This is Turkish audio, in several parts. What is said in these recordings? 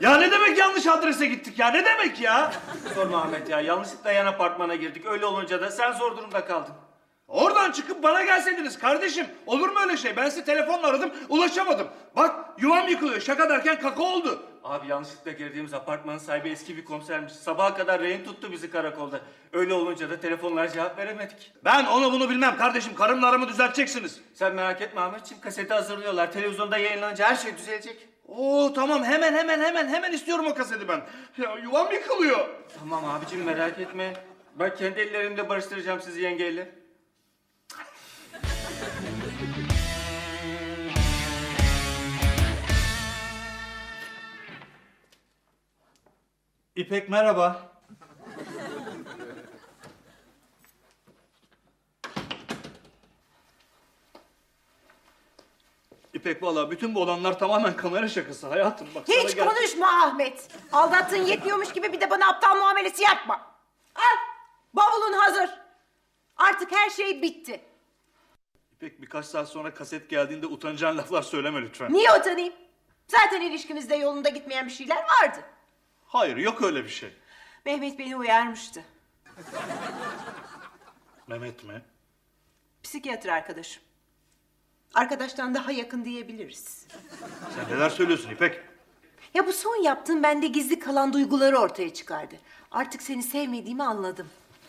Ya ne demek yanlış adrese gittik ya? Ne demek ya? Sorma Ahmet ya. Yanlışlıkla yan apartmana girdik. Öyle olunca da sen zor durumda kaldın. Oradan çıkıp bana gelseydiniz kardeşim. Olur mu öyle şey? Ben sizi telefonla aradım, ulaşamadım. Bak yuvam yıkılıyor. Şaka derken kaka oldu. Abi yanlışlıkla girdiğimiz apartmanın sahibi eski bir komisermiş. Sabaha kadar rehin tuttu bizi karakolda. Öyle olunca da telefonlara cevap veremedik. Ben onu bunu bilmem kardeşim. Karımla aramı düzelteceksiniz. Sen merak etme Ahmetciğim. Kaseti hazırlıyorlar. Televizyonda yayınlanınca her şey düzelecek. Oo tamam hemen istiyorum o kaseti ben. Ya yuvam yıkılıyor. Tamam abicim merak etme. Ben kendi ellerimle barıştıracağım sizi yengeyle. İpek merhaba. İpek vallahi bütün bu olanlar tamamen kamera şakası hayatım. Bak sana Hiç konuşma Ahmet. Aldattığın yetmiyormuş gibi bir de bana aptal muamelesi yapma. Al, bavulun hazır. Artık her şey bitti. İpek birkaç saat sonra kaset geldiğinde utanacağın laflar söyleme lütfen. Niye utanayım? Zaten ilişkimizde yolunda gitmeyen bir şeyler vardı. Hayır yok öyle bir şey. Mehmet beni uyarmıştı. Mehmet mi? Psikiyatr arkadaşım. Arkadaştan daha yakın diyebiliriz. Sen neler söylüyorsun İpek? Ya bu son yaptığın bende gizli kalan duyguları ortaya çıkardı. Artık seni sevmediğimi anladım.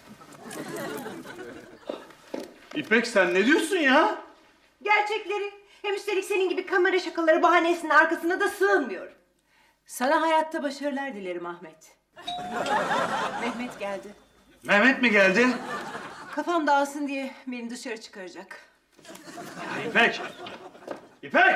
İpek sen ne diyorsun ya? Gerçekleri. Hem üstelik senin gibi kamera şakaları bahanesinin arkasına da sığınmıyorum. Sana hayatta başarılar dilerim Ahmet. Mehmet geldi. Mehmet mi geldi? Kafam dağılsın diye beni dışarı çıkaracak. Ya İpek! İpek!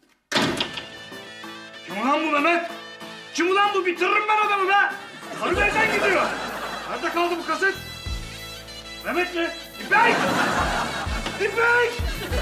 Kim ulan bu Mehmet? Kim ulan bu? Bitiririm ben adamı be! Karı evden gidiyor. Nerede kaldı bu kaset? Mehmet mi? İpek! İpek!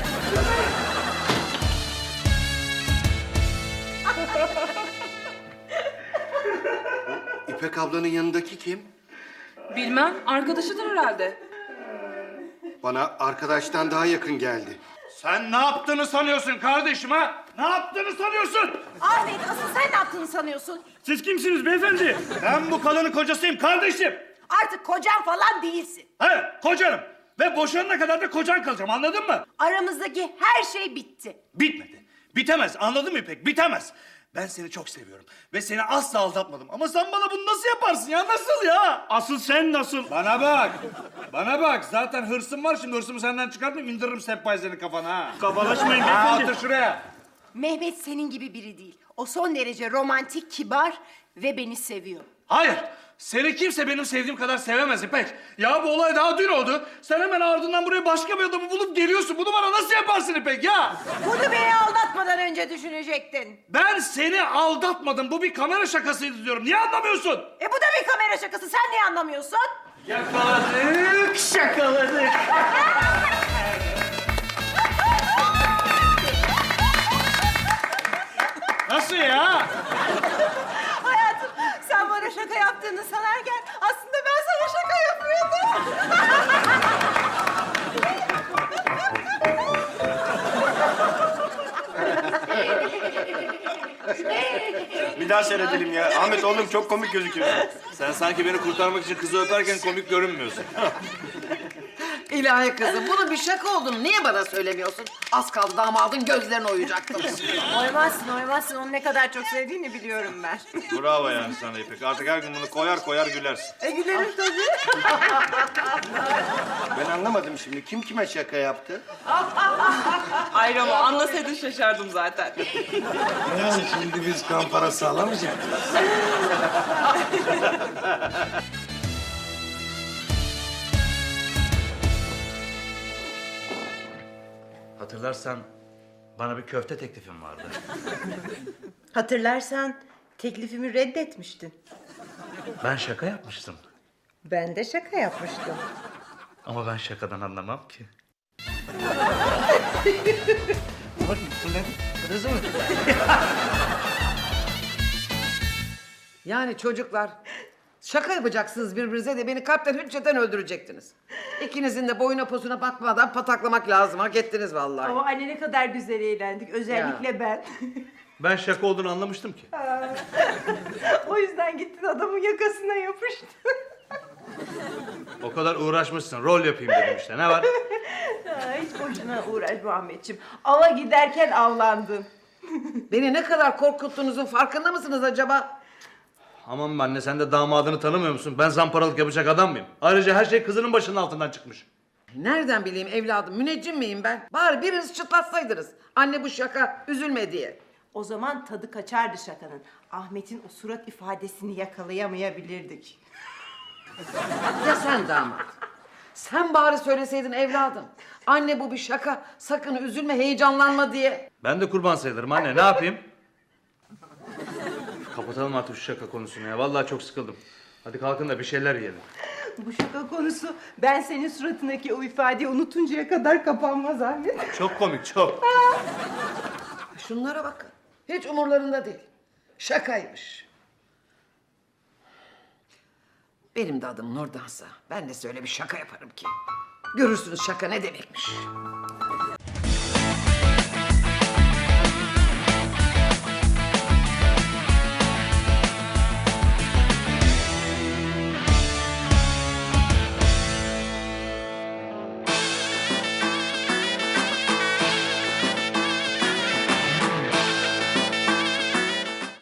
İpek ablanın yanındaki kim? Bilmem, arkadaşıdır herhalde. Bana arkadaştan daha yakın geldi. Sen ne yaptığını sanıyorsun kardeşim ha? Ne yaptığını sanıyorsun? Ahmet asıl sen ne yaptığını sanıyorsun? Siz kimsiniz beyefendi? Ben bu kadının kocasıyım kardeşim. Artık kocan falan değilsin. Evet kocanım. Ve boşanana kadar da kocan kalacağım anladın mı? Aramızdaki her şey bitti. Bitmedi. Bitemez anladın mı İpek? Bitemez. Ben seni çok seviyorum ve seni asla aldatmadım. Ama sen bana bunu nasıl yaparsın ya? Nasıl ya? Asıl sen nasıl? Bana bak. Bana bak. Zaten hırsım var. Şimdi hırsımı senden çıkartmayayım. İndiririm sehpayı kafana ha. Kabalaşmayın Ha, otur şuraya. Mehmet senin gibi biri değil. O son derece romantik, kibar ve beni seviyor. Hayır. Seni kimse benim sevdiğim kadar sevemez İpek. Ya bu olay daha dün oldu. Sen hemen ardından buraya başka bir adamı bulup geliyorsun. Bunu bana nasıl yaparsın İpek ya? Bunu beni aldatmadan önce düşünecektin. Ben seni aldatmadım. Bu bir kamera şakasıydı diyorum. Niye anlamıyorsun? Bu da bir kamera şakası. Sen niye anlamıyorsun? Yakaladık, şakaladık. Nasıl ya? Hayatım sen bana şaka yaptığını sanarken aslında ben sana şaka yapıyordum. Bir daha seyredelim ya. Ahmet oğlum çok komik gözüküyorsun. Sen sanki beni kurtarmak için kızı öperken komik görünmüyorsun. İlahi kızım, bunun bir şaka olduğunu niye bana söylemiyorsun? Az kaldı damadın gözlerini oyacaktım. Oymazsın. Onu ne kadar çok sevdiğini biliyorum ben. Bravo yani sana İpek. Artık her gün bunu koyar koyar gülersin. Gülerim tabii. Ben anlamadım şimdi. Kim kime şaka yaptı? Hayır ama anlasaydın şaşardım zaten. Yani şimdi biz kan parası alamayacak mıyız? Hatırlarsan bana bir köfte teklifim vardı. Hatırlarsan teklifimi reddetmiştin. Ben şaka yapmıştım. Ben de şaka yapmıştım. Ama ben şakadan anlamam ki. Yani çocuklar, şaka yapacaksınız birbirinize de beni kalpten hücceten öldürecektiniz. İkinizin de boyuna posuna bakmadan pataklamak lazım. Hak ettiniz vallahi. Ama anne ne kadar güzel eğlendik. Özellikle ben. Ben şaka olduğunu anlamıştım ki. O yüzden gittin adamın yakasına yapıştın. O kadar uğraşmışsın, rol yapayım dedim işte. Ne var? Hiç boşuna uğraşma Ahmetciğim. Ava giderken avlandın. Beni ne kadar korkuttuğunuzun farkında mısınız acaba? Aman be anne, sen de damadını tanımıyor musun? Ben zamparalık yapacak adam mıyım? Ayrıca her şey kızının başının altından çıkmış. Nereden bileyim evladım, müneccim miyim ben? Bari biriniz çıtlatsaydınız. Anne bu şaka, üzülme diye. O zaman tadı kaçardı şakanın. Ahmet'in o surat ifadesini yakalayamayabilirdik. Ya sen damat? Sen bari söyleseydin evladım. Anne bu bir şaka, sakın üzülme, heyecanlanma diye. Ben de kurban sayılırım anne, ne yapayım? Kapatalım artık şu şaka konusunu ya. Vallahi çok sıkıldım. Hadi kalkın da bir şeyler yiyelim. Bu şaka konusu ben senin suratındaki o ifadeyi unutuncaya kadar kapanmaz Ahmet. Çok komik, çok. Şunlara bakın, hiç umurlarında değil. Şakaymış. Benim de adım Nurdansa, ben de size öyle bir şaka yaparım ki. Görürsünüz şaka ne demekmiş.